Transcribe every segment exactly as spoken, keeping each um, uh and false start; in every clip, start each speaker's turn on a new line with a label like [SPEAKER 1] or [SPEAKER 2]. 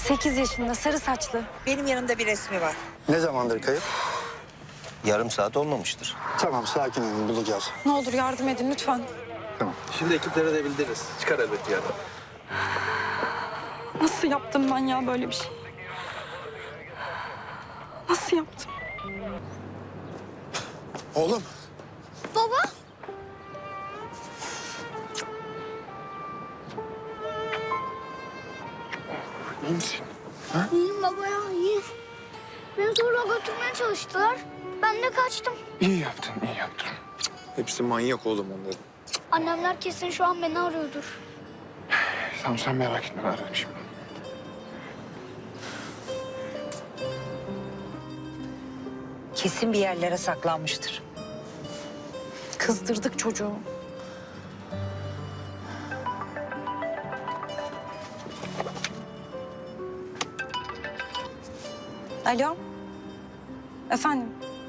[SPEAKER 1] Sekiz yaşında, sarı saçlı.
[SPEAKER 2] Benim yanımda bir resmi var.
[SPEAKER 3] Ne zamandır kayıp?
[SPEAKER 4] Yarım saat olmamıştır.
[SPEAKER 3] Tamam, sakin olun, bulacağız.
[SPEAKER 1] Ne olur yardım edin lütfen.
[SPEAKER 3] Tamam.
[SPEAKER 5] Şimdi ekiplere de bildiririz. Çıkar elbet yani.
[SPEAKER 1] Nasıl yaptım ben ya böyle bir şey? Nasıl yaptım?
[SPEAKER 3] Oğlum.
[SPEAKER 6] Baba.
[SPEAKER 3] İyi misin?
[SPEAKER 6] İyiyim baba ya, iyiyim. Beni zorla götürmeye çalıştılar. Ben de kaçtım.
[SPEAKER 5] İyi yaptın, iyi yaptın. Hepsi manyak oğlum onların.
[SPEAKER 6] Annemler kesin şu an beni arıyordur.
[SPEAKER 5] Tamam sen merak etme, ben ararım şimdi.
[SPEAKER 2] Kesin bir yerlere saklanmıştır.
[SPEAKER 1] Kızdırdık çocuğu. Alo. Efendim.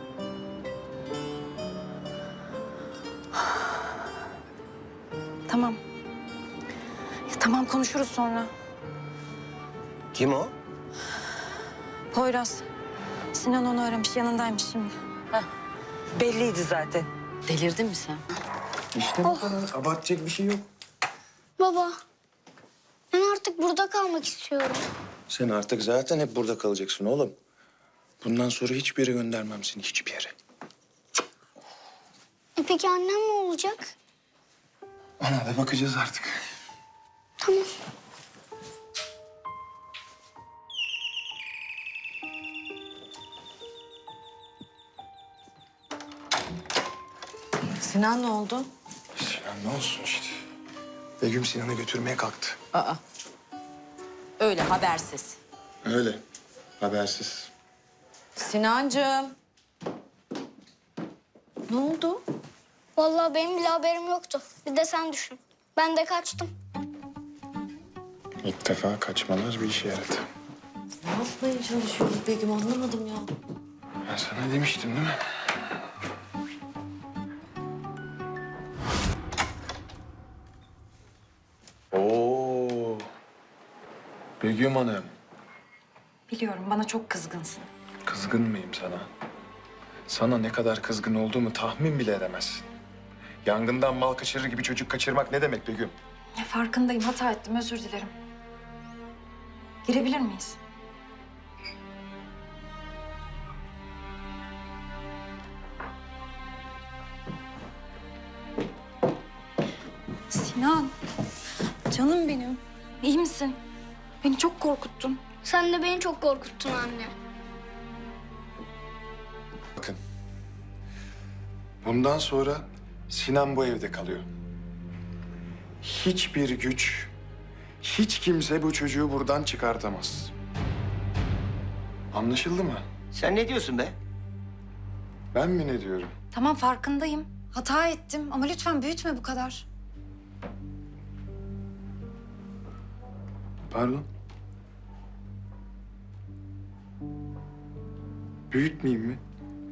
[SPEAKER 1] Tamam. Ya, tamam konuşuruz sonra.
[SPEAKER 4] Kim o?
[SPEAKER 1] Poyraz. Sinan onu aramış, yanındaymış şimdi.
[SPEAKER 2] Belliydi zaten.
[SPEAKER 1] Delirdin mi sen?
[SPEAKER 5] İşte bu kadar. Abartacak bir şey yok.
[SPEAKER 6] Baba, ben artık burada kalmak istiyorum.
[SPEAKER 5] Sen artık zaten hep burada kalacaksın oğlum. Bundan sonra hiçbir yere göndermem seni, hiçbir yere.
[SPEAKER 6] E peki annem ne olacak?
[SPEAKER 5] Ona da bakacağız artık.
[SPEAKER 6] Tamam.
[SPEAKER 2] Sinan ne oldu?
[SPEAKER 5] Sinan ne olsun işte. Begüm Sinan'ı götürmeye kalktı.
[SPEAKER 7] Aa. Öyle habersiz.
[SPEAKER 5] Öyle. Habersiz.
[SPEAKER 7] Sinancığım. Ne oldu?
[SPEAKER 6] Vallahi benim bile haberim yoktu. Bir de sen düşün. Ben de kaçtım.
[SPEAKER 5] İlk defa kaçmalar bir işe yaradı.
[SPEAKER 7] Ne yapmaya çalışıyoruz Begüm, anlamadım ya.
[SPEAKER 5] Ben sana demiştim değil mi? Oo. Begüm Hanım.
[SPEAKER 1] Biliyorum bana çok kızgınsın.
[SPEAKER 5] Kızgın mıyım sana? Sana ne kadar kızgın olduğumu tahmin bile edemezsin. Yangından mal kaçırır gibi çocuk kaçırmak ne demek Begüm?
[SPEAKER 1] Ya farkındayım, hata ettim, özür dilerim. Girebilir miyiz? Sinan, canım benim. İyi misin? Beni çok korkuttun.
[SPEAKER 6] Sen de beni çok korkuttun anne.
[SPEAKER 5] Bakın. Bundan sonra Sinan bu evde kalıyor. Hiçbir güç, hiç kimse bu çocuğu buradan çıkartamaz. Anlaşıldı mı?
[SPEAKER 4] Sen ne diyorsun be?
[SPEAKER 5] Ben mi ne diyorum?
[SPEAKER 1] Tamam farkındayım. Hata ettim ama lütfen büyütme bu kadar.
[SPEAKER 5] Pardon? Büyütmeyeyim mi?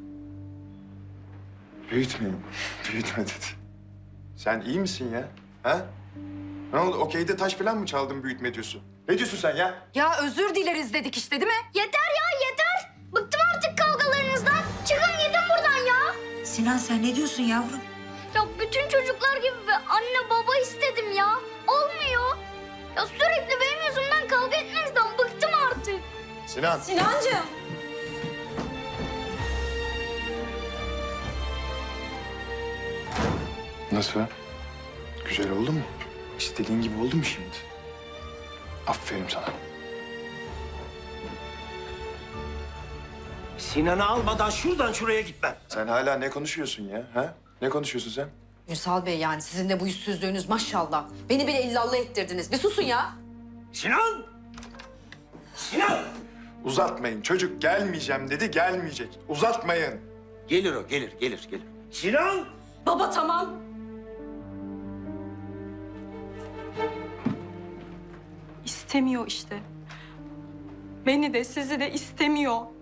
[SPEAKER 5] Büyütmeyeyim. Büyütme dedi. Sen iyi misin ya? Ha? Ne oldu? Okeyde taş falan mı çaldın büyütme diyorsun? Ne diyorsun sen ya?
[SPEAKER 1] Ya özür dileriz dedik işte değil mi?
[SPEAKER 6] Yeter ya yeter. Bıktım artık kavgalarınızdan. Çıkın gidin buradan ya.
[SPEAKER 2] Sinan sen ne diyorsun yavrum?
[SPEAKER 6] Ya bütün çocuklar gibi be, anne baba istedim ya. Olmuyor. Ya sürekli benim yüzümden kavga etmenizden bıktım artık.
[SPEAKER 5] Sinan.
[SPEAKER 1] Sinancığım.
[SPEAKER 5] Nasıl? Güzel oldu mu? İstediğin gibi oldu mu şimdi? Aferin sana.
[SPEAKER 4] Sinan'ı almadan şuradan şuraya gitmem.
[SPEAKER 5] Sen hala ne konuşuyorsun ya? Ha? Ne konuşuyorsun sen?
[SPEAKER 7] Ünsal Bey, yani sizin de bu yüzsüzlüğünüz maşallah. Beni bile illallah ettirdiniz. Bir susun ya.
[SPEAKER 4] Sinan! Sinan!
[SPEAKER 5] Uzatmayın. Çocuk gelmeyeceğim dedi, gelmeyecek. Uzatmayın.
[SPEAKER 4] Gelir o, gelir, gelir, gelir. Sinan!
[SPEAKER 7] Baba tamam.
[SPEAKER 1] İstemiyor işte. Beni de sizi de istemiyor.